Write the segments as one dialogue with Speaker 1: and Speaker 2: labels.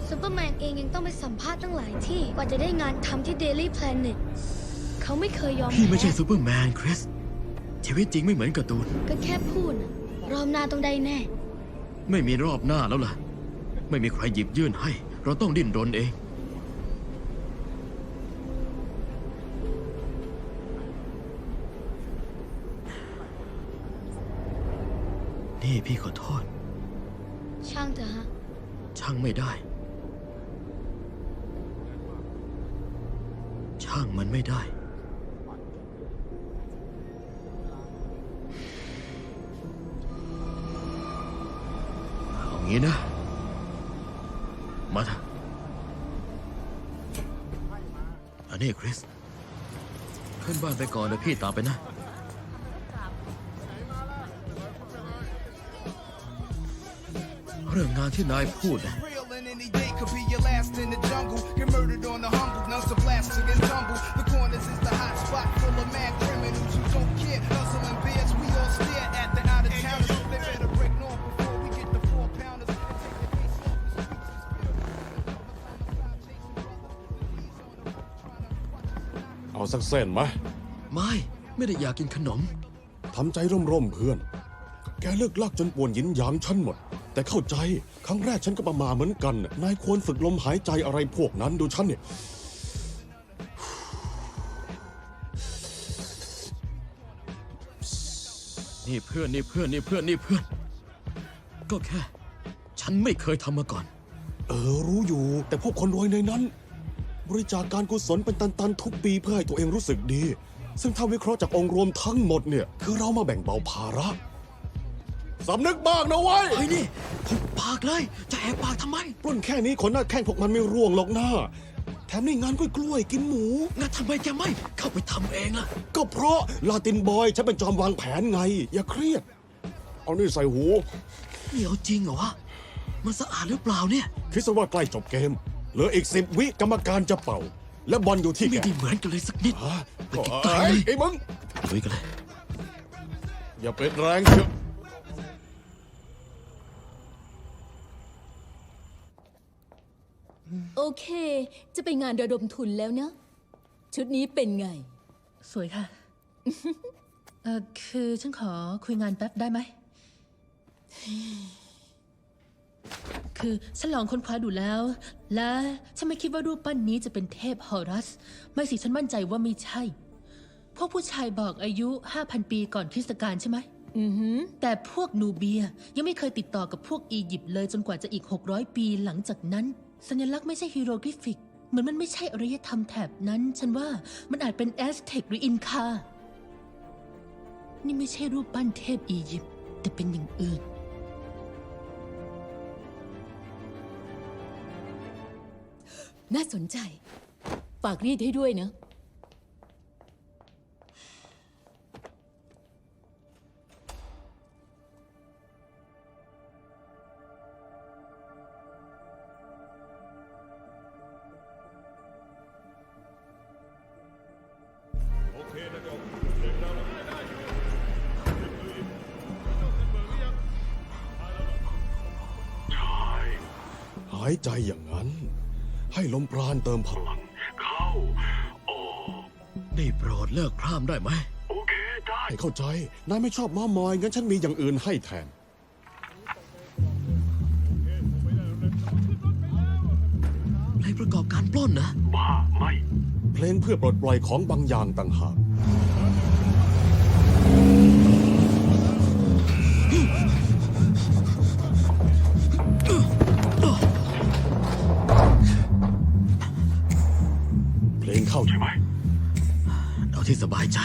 Speaker 1: ซูเปอร์แมนเองยังต้องไปสัมภาษณ์ตั้งหลายที่กว่าจะได้งานทำที่ Daily Planet เขาไม่เคยยอม
Speaker 2: พี่ไม่ใช่
Speaker 1: แพ้
Speaker 2: ซูเปอร์แมนคริสชีวิตจริงไม่เหมือนการ์ตูน
Speaker 1: ก็แค่พูดนะรอบหน้าต้องได้แน่
Speaker 2: ไม่มีรอบหน้าแล้วล่ะ ไม่มีใครหยิบยื่นให้ เราต้องดิ้นรนเอง นี่พี่ขอโทษ
Speaker 1: ช่างเถอะฮะ
Speaker 2: ช่างไม่ได้ ช่างมันไม่ได้ เอางี้นะ มาเถอะอันนี้คริส ขึ้นบ้านไปก่อนเดี๋ยวพี่ตามไปนะ เรื่องงานที่นายพูดนะ
Speaker 3: Real and any day could be your last in the jungle. Get murdered on the humble, nuns are blasted and tumble. The corners is the hot spot full of mad criminals who don't care. Hustling bears, we all stare at the out of towners. They better break north before we get the 4-pounders. And take the case off the streets.
Speaker 4: เอาสักเส้นไหม
Speaker 2: ไม่ได้อยากกินขนม
Speaker 4: ทำใจร่มๆเพื่อน แกเลิกลักจนป่วนหยินหยางฉันหมด แต่เข้าใจครั้งแรกฉันก็ประมาเหมือนกัน นายควรฝึกลมหายใจอะไรพวกนั้นดูฉันเนี่ย
Speaker 2: นี่เพื่อน ก็แค่ ฉันไม่เคยทำมาก่อน
Speaker 4: รู้อยู่ แต่พวกคนรวยในนั้น บริจาคการกุศลเป็นตันๆทุกปีเพื่อให้ตัวเองรู้สึกดี ซึ่งถ้าวิเคราะห์จากองค์รวมทั้งหมดเนี่ย คือเรามาแบ่งเบาภาระสำนึกบ้างนะเว้ย
Speaker 2: เฮ้ยนี่หุบปากเลย จะแอบปากทำไม
Speaker 4: ปล้นแค่นี้คนหน้าแข้งพวกมันไม่ร่วงหรอกนะแถมในงานกล้วยๆกินหมู
Speaker 2: งั้นทำไมแกไม่เข้าไปทำเองล่ะ
Speaker 4: ก็เพราะลาตินบอยฉันเป็นจอมวางแผนไง อย่าเครียด เอานี่ใส่หู
Speaker 2: นี่เอาจริงเหรอวะ มันสะอาดหรือเปล่าเนี่ย
Speaker 4: คิดซะว่าใกล้จบเกม เหลืออีก10 วิกรรมการจะเป่า และบอลอยู่ที่แก
Speaker 2: ไม่ได้เหมือนกันเลยสักนิด
Speaker 4: ฮะ
Speaker 2: ไปไกลๆเลย
Speaker 4: ไอ้มึง
Speaker 2: ลุยกันเลย
Speaker 4: อย่าเป็นแรงเชียว
Speaker 5: โอเค จะไปงานระดมทุนแล้วนะ ชุดนี้เป็นไง
Speaker 6: สวยค่ะ คือฉันขอคุยงานแป๊บได้ไหม คือฉันลองค้นคว้าดูแล้ว และฉันไม่คิดว่ารูปปั้นนี้จะเป็นเทพฮอรัส ไม่สิฉันมั่นใจว่าไม่ใช่ พวกผู้ชายบอกอายุ 5,000 ปีก่อนคริสตกาลใช่ไหม แต่พวกนูเบียยังไม่เคยติดต่อกับพวกอียิปต์เลยจนกว่าจะอีก 600 ปีหลังจากนั้น สัญลักษณ์ไม่ใช่ฮีโรกริฟิก เหมือนมันไม่ใช่อารยธรรมแถบนั้น ฉันว่ามันอาจเป็นแอสเท็กหรืออินคา นี่ไม่ใช่รูปปั้นเทพอียิปต์แต่เป็นอย่างอื่น
Speaker 5: น่าสนใจ ฝากรีดให้ด้วยนะ
Speaker 4: หายใจอย่างนั้น ให้ลมปราณเติมพลัง
Speaker 7: เข้าออก
Speaker 2: ได้โปรดเลิกพร่ำได้ไหม
Speaker 7: โอเคได้
Speaker 4: ให้เข้าใจ นายไม่ชอบม้ามอย งั้นฉันมีอย่างอื่นให้แทน
Speaker 2: เพลงประกอบการปล้นนะ
Speaker 7: บ้าไม่
Speaker 4: เพลงเพื่อปลดปล่อยของบางอย่างต่างหาก เพลงเข้าใช่ไหม
Speaker 2: เอาที่สบายใจ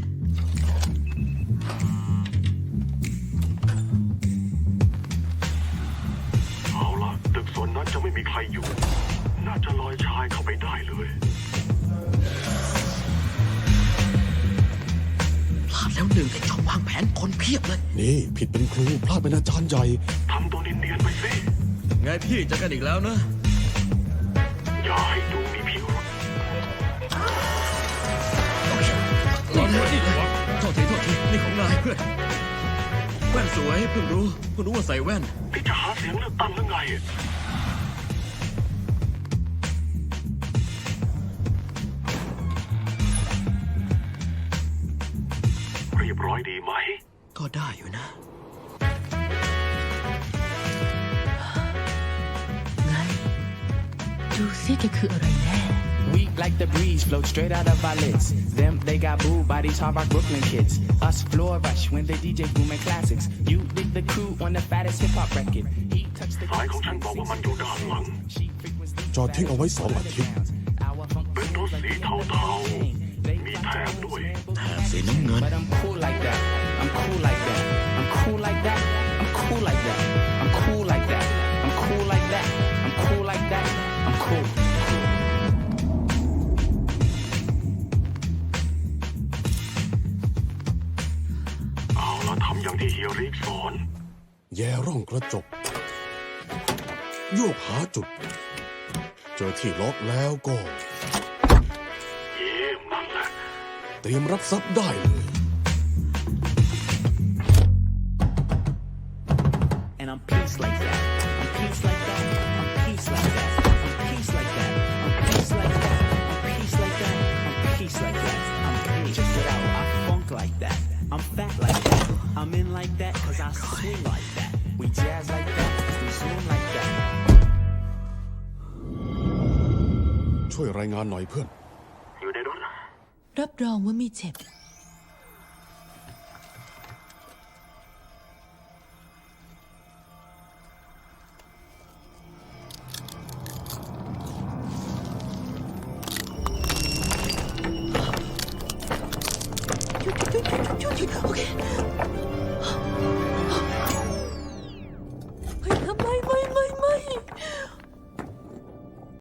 Speaker 7: เอาละตึกส่วนนั้นจะไม่มีใครอยู่ น่าจะลอยชายเข้าไปได้เลย
Speaker 2: พลาดแล้วหนึ่งไอ้จอมวางแผนคนเพียบเลย
Speaker 4: นี่ผิดเป็นครูพลาดเป็นอาจารย์ใหญ่
Speaker 7: ทำตัวเนียนๆไปสิ
Speaker 2: ไงพี่เจะกันอีกแล้วนะ
Speaker 7: อย่าให้ดูมีพิรุธ
Speaker 2: รอด้วยโทษทีนี่ของนายเพื่อน แว่นสวยเพิ่งรู้ว่าใส่แว่น
Speaker 7: นี่จะหาเสียงเลือกตั้งหรือไงดีไหม
Speaker 2: ก็ได้อยู่นะ
Speaker 6: ไง ดูสิแกคืออะไรแน่
Speaker 8: Weak like the breeze, float straight out of our lids. Them, they got booed by these hard rock Brooklyn kids. Us floor rush when the DJ booming classics. You dig the crew on the fattest hip hop record. He touched the
Speaker 7: สายของฉันบอกว่ามันอยู่ด้านหลัง
Speaker 4: จอดทิ้งเอาไว้2 อาทิตย์
Speaker 7: เป็นรถสีเทาๆ มีแถบด้วย
Speaker 2: แถบสีน้ำเงิน
Speaker 8: But I'm cool like that. I'm cool like that. I'm cool like that. I'm cool like that. I'm cool like that. I'm cool like that. I'm cool like that. I'm cool.
Speaker 7: เอาละทำอย่างที่เฮียริกสอน
Speaker 4: แย่ร่องกระจก โยกหาจุด เจอที่ล็อกแล้วก็
Speaker 7: เยี่ยมนั่นแหละ
Speaker 4: เตรียมรับทรัพย์ได้เลย
Speaker 8: And I'm peace like that. I'm peace like that. I'm peace like that. I'm peace like that. I'm peace like that. I'm peace like that. I'm peace like that. I'm peace. Check it out. I funk like that. I'm fat like that. I'm in like that cause I swing like that. We jazz like that. We zoom like that.
Speaker 4: ช่วยรายงานหน่อยเพื่อน
Speaker 7: อยู่ในรถ
Speaker 6: รับรองว่าไม่เจ็บ